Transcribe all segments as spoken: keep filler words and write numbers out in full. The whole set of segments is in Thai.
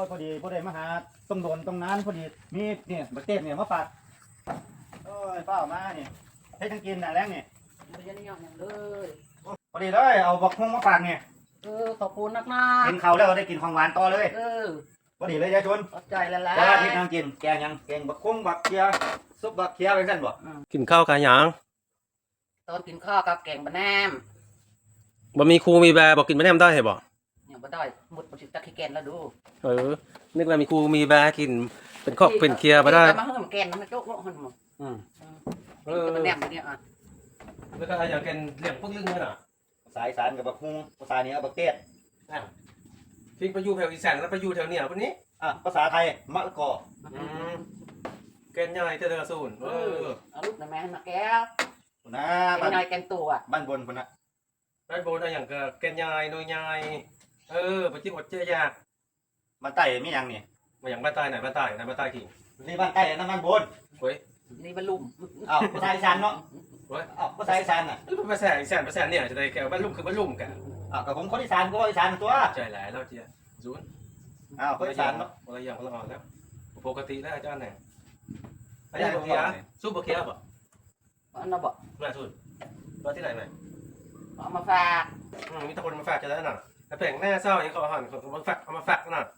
ยพอดีพอดีมาหาต้องโดนตรงนั้นพอดีมีเนี่ยบักเต้เนี่ยมาฝากโอ้ยเป้ามาเนี่ยให้ทั้งกินน่ะแรงเนี่ยไม่ได้ยังอย่างเลยพอดีเลยเอาบักฮุ้งมาฝากเนี่ยเออขอบคุณนักนะกินข้าวแล้วได้กินของหวานต่อเลยเออพอดีเลยยายชนขอบใจแล้วล่ะจะที่นั่งกินแกงยังแกงบักฮุ้งบักเคียซุปบักเคียเป็นสั้นบ่กินข้าวกันหยังตอนกินข้าวกับแกงบะแหนมบ่มีครูมีแบร์บอกกินไม่แน่มได้เหรอบ่อย่างบะได้หมดบะชิตะขี้แกนแล้วดูเออนึกว่ามีครูมีแบร์กินเป็นครอบเป็นเคลียร์มาได้มาเพิ่มแกนมันโจ๊กโลหันหมดอืมเออบะแหนมตัวเนี้ยอ่ะแล้วก็อย่างกินเลี้ยงพวกลึงเลยน่ะภาษาอีสานกับบักฮุ้งภาษาเหนือบักเต้ทิ้งไปอยู่แถวอีสานแล้วไปอยู่แถวเหนือคนนี้อ่ะภาษาไทยมะละกออืมแกนใหญ่เจริญสูนเอเอออเอาลูกหน่อยแม่มาแก้วนะแกบ้าง นใหญ่แกงตัวบ้านบนคนน่ะได้โบนอะไรอย่างก็แกนใหญ่หน่วยใหญ่เออไปจิ้มอดเจียยากบ้านใต้มีหยังนี่มาอย่างบ้านใต้ไหนบ้านใต้ไหนบ้านใต้กี่นี่บ้านใต้นั่นบ้านบนเฮ้ยนี่บะลุ่มอ้าวภาษาอีสานเนาะเฮ้ยอ้าวภาษาอีสานน่ะภาษาอีสานภาษาเนี่ยจะได้แกบ้านลุ่มคือบ้านลุ่มกันอ้าวกับผมคนอีสานก็ว่าอีสานตัวใจหลายแล้วเจียศูนย์อ้าวคนอีสานเนาะคนละอย่างคนละอ่อนแล้วปกติแล้วอาจารย์เนี่ยอาจารย์บอกเคียสู้บอกเคียป่ะอันนั้นบอกแม่สุดมาที่ไหนไหมเอามาฝากอืมมีแต่คนมาฝากจะได้หน่ะแต่แผงหน้าเศร้าอย่างเขาหันเขามาฝากเอามาฝากหน่ะ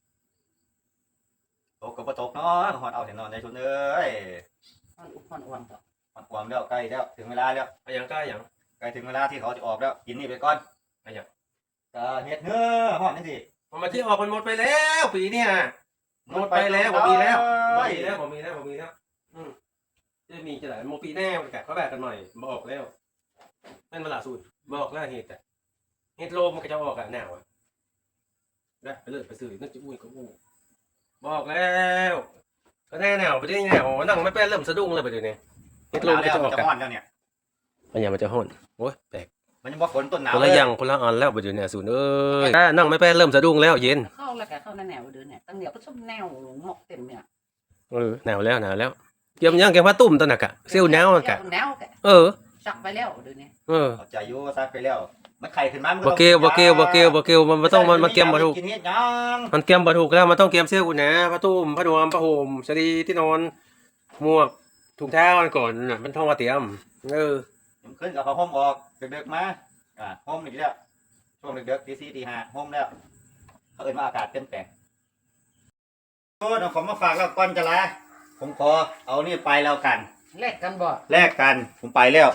ตกกับบ่ตกเนาะหอดเอาเห็นนอนใจชุนเอ้ยมันอุบมันอ้วนต่อหอดความแล้วใกล้แล้วถึงเวลาแล้วไอ้ยังกล้าอย่างใกล้ถึงเวลาที่เขาจะออกแล้วกินนี่ไปก่อนไอ้ยังก็เฮ็ดเนื้อหอดนั่นสิมันมาที่ออกมันหมดไปแล้วปีเนี่ยหมดไปแล้วผมมีแล้วผมมีแล้วผมมีแล้วผมมีแล้วอืมจะมีจะไหนโมปีแน่มันกัดเขาแบกกันหน่อยบอกแล้วแม่นมาลาสูตรบอกแล้วเหตุแต่เหตุโลมมันก็จะออกอะแนวอะได้ไปเลยไปซื้อนึกจะอุ้ยก็อู้บอกแล้วก็แน่แนวไปได้แนวนั่งไม่เป็นเริ่มสะดุ้งเลยไปเดี๋ยวนี้เหตุโลมก็จะออกจะกันหอดแล้วเนี่ยอันยังมันจะห่นโอ้ยแปลกมันยังบ่ฝนต้นหนาวคนละอย่างคนละอันแล้วไปเดี๋ยวนี้สูตรเอ้ยนั่งไม่เป็นเริ่มสะดุ้งแล้วเย็นเข้าแล้วแกเข้าในแนวเดินเนี่ยตั้งเดี๋ยวก็ชอบแนวหมกเต็มเนี่ยเออหนาวแล้วหนาวแล้วเกี่ยมยังแกงผ้าตุ่มตอนน่ะกะเซี่ยวหนาวกะแนวแกเออสักไปแล้วเดินเนี่ยเออเอาใจอยู่ซักไปแล้วมันไข่ขึ้นมามันบ่เกลบ่เกลบ่เกลบ่เกลมันมันต้องมันมันเกมบ่ถูกกินเฮ็ดหยังมันเกมบ่ถูกแล้วมันต้องเกมเซี่ยวอุ่นนะผ้าตุ่มผ้านวมผ้าห่มสลีที่นอนหมวกถุงเท้าอันก่อนน่ะมันท่องว่าเตรียมเออผมขึ้นกับผ้าห่มออกดึกๆมาอ่าห่มอีกแล้วช่วงดึกๆตีสี่ตีห้าห่มแล้วเขาเอิ้นว่าอากาศเปลี่ยนแปลงโอ้เอาของมาฝากแล้วก่อนจะลาผมขอเอานี่ไปแล้วกันแลกกันบ่แลกกันผมไปแล้ว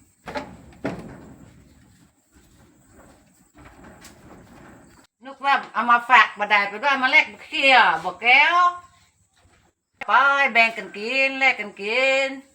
นึกว่าเอามาฝากมาได้ไปด้วยมาแลกเคลียร์บอกแก้วไปแบ่งกันกินแลกกันกิน